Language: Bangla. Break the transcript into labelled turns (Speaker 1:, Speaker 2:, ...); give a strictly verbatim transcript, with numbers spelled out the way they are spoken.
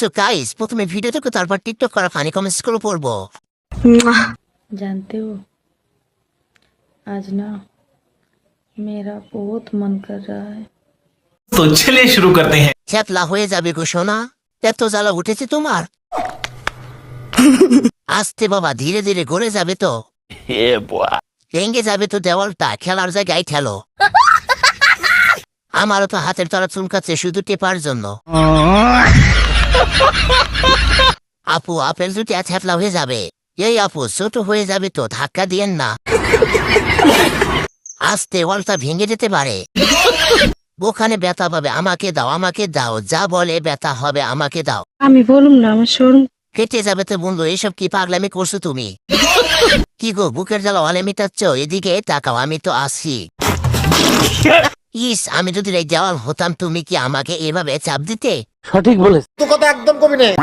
Speaker 1: সো গাইস প্রথমে ভিডিও দেখো তারপর টিকটক করা ফানি কমেন্টস করে পড়বো।
Speaker 2: जानते हो आज ना मेरा बहुत मन कर रहा है।
Speaker 3: तो चलिए शुरू करते हैं।
Speaker 1: চ্যাপলা হয়ে যাবে গো সোনা, এত জ্বালা উঠেছে তোমার? আস্তে বাবা, ধীরে ধীরে গড়ে যাবে তো, ভেঙে যাবে তো দেওয়ালটা, খেলার জায়গায় ঠেলো। আমারও তো হাতের তলা চুলকাচ্ছে শুধু টেপার জন্য। আপু আপেল দুটি ছ্যাপলা হয়ে যাবে। এই আপু ছোট হয়ে যাবে তো, ধাক্কা দিয়েন না, আস্তে ওয়ালটা ভেঙে যেতে পারে। ওখানে ব্যথা পাবে, আমাকে দাও আমাকে দাও, যা বলে ব্যথা হবে আমাকে দাও।
Speaker 2: আমি বলুম না আমার শোরুম
Speaker 1: কেটে যাবে তো বন্ধু, এসব কি পাগলামি করছো তুমি? কি গো বুকের জ্বালা অলে মিটাচ্ছ? এদিকে তাকাও, আমি তো আসি। ইস, আমি যদি এই দেওয়াল হতাম তুমি কি আমাকে এভাবে চাপ দিতে?
Speaker 4: সঠিক বলেছ। তো কথা একদম কবি নেই।